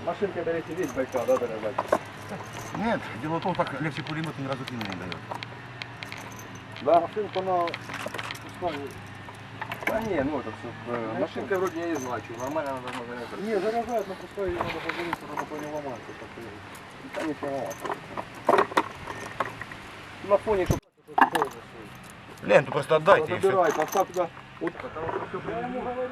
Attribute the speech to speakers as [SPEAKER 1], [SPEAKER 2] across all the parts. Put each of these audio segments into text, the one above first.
[SPEAKER 1] Машинка берете весь Байкал, да, дорогая?
[SPEAKER 2] Нет, дело в том, так легче пулемет ни разу клина не дает.
[SPEAKER 1] Да? Машинку на... Да не, ну это все... Машинка вроде я не знаю, что нормально она должна заряжаться.
[SPEAKER 3] Не, заряжают, но пускай ее надо позвонить, чтобы она не ломается.
[SPEAKER 1] Да не ломаться. На фоне, чтобы...
[SPEAKER 2] Ленту просто отдайте и все.
[SPEAKER 1] Забирай, поставь туда. Вот, потому что все...
[SPEAKER 3] Я ему говорю.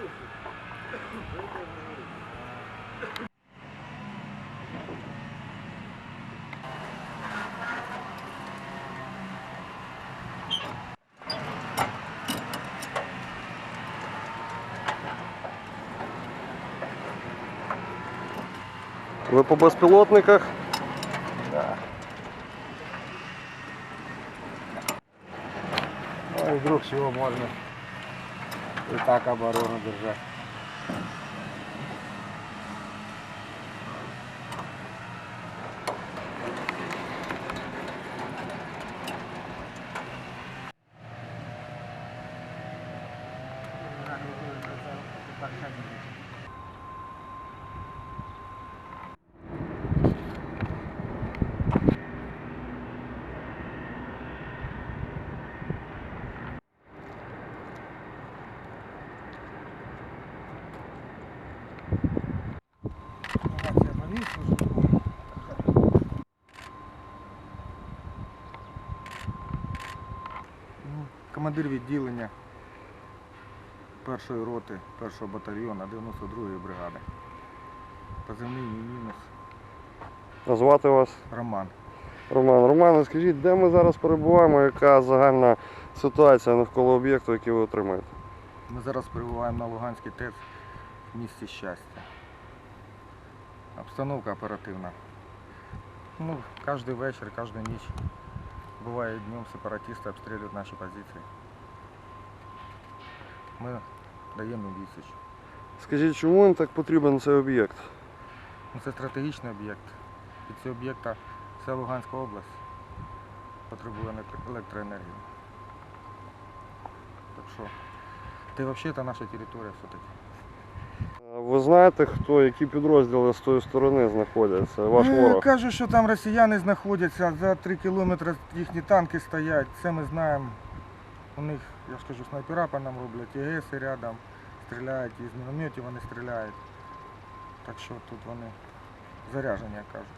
[SPEAKER 4] Ви по безпілотниках?
[SPEAKER 1] Да.
[SPEAKER 3] Ну и вдруг всего можно и так оборону держать.
[SPEAKER 5] Командир відділення першої роти, першого батальйону 92-ї бригади. Позивний мій мінус
[SPEAKER 4] Назвати вас?
[SPEAKER 5] Роман.
[SPEAKER 4] Роман, скажіть, де ми зараз перебуваємо, яка загальна ситуація навколо об'єкту, який ви отримаєте?
[SPEAKER 5] Ми зараз перебуваємо на Луганській ТЕЦ в місті Щастя. Обстановка оперативна. Ну, кожен вечір, кожну ніч. Буває днем сепаратисти обстрілюють наші позиції. Ми даємо їм відсіч.
[SPEAKER 4] Скажіть, чому їм так потрібен цей об'єкт?
[SPEAKER 5] Ну, це стратегічний об'єкт. Під цього об'єкта вся Луганська область потребує електроенергії. Так що, це взагалі це наша територія все-таки.
[SPEAKER 4] Ви знаєте, які підрозділи з тої сторони знаходяться? Ваш ворог?
[SPEAKER 5] Кажуть, що там росіяни знаходяться, за 3 кілометри їхні танки стоять, це ми знаємо. У них, я ж кажу, снайпера по нам роблять, ЄГСи рядом стріляють, із мінометів вони стріляють. Так що тут вони заряжені, як кажуть.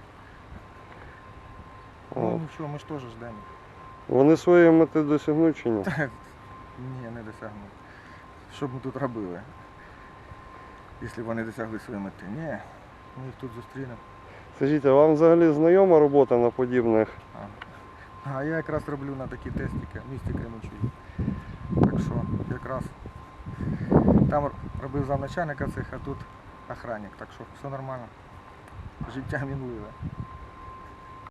[SPEAKER 5] Ну нічого, ми ж теж ждемо.
[SPEAKER 4] Вони своєї мети досягнуть чи ні?
[SPEAKER 5] Ні, не досягнуть. Що б ми тут робили, якщо вони досягли своєї мети? Ні, ми їх тут зустрінемо.
[SPEAKER 4] Скажіть, а вам взагалі знайома робота на подібних?
[SPEAKER 5] А я якраз роблю на такі тестики в місті Кременчугі. Так що якраз там робив замначальника цих, а тут охранник. Так що все нормально. Життя мінливе.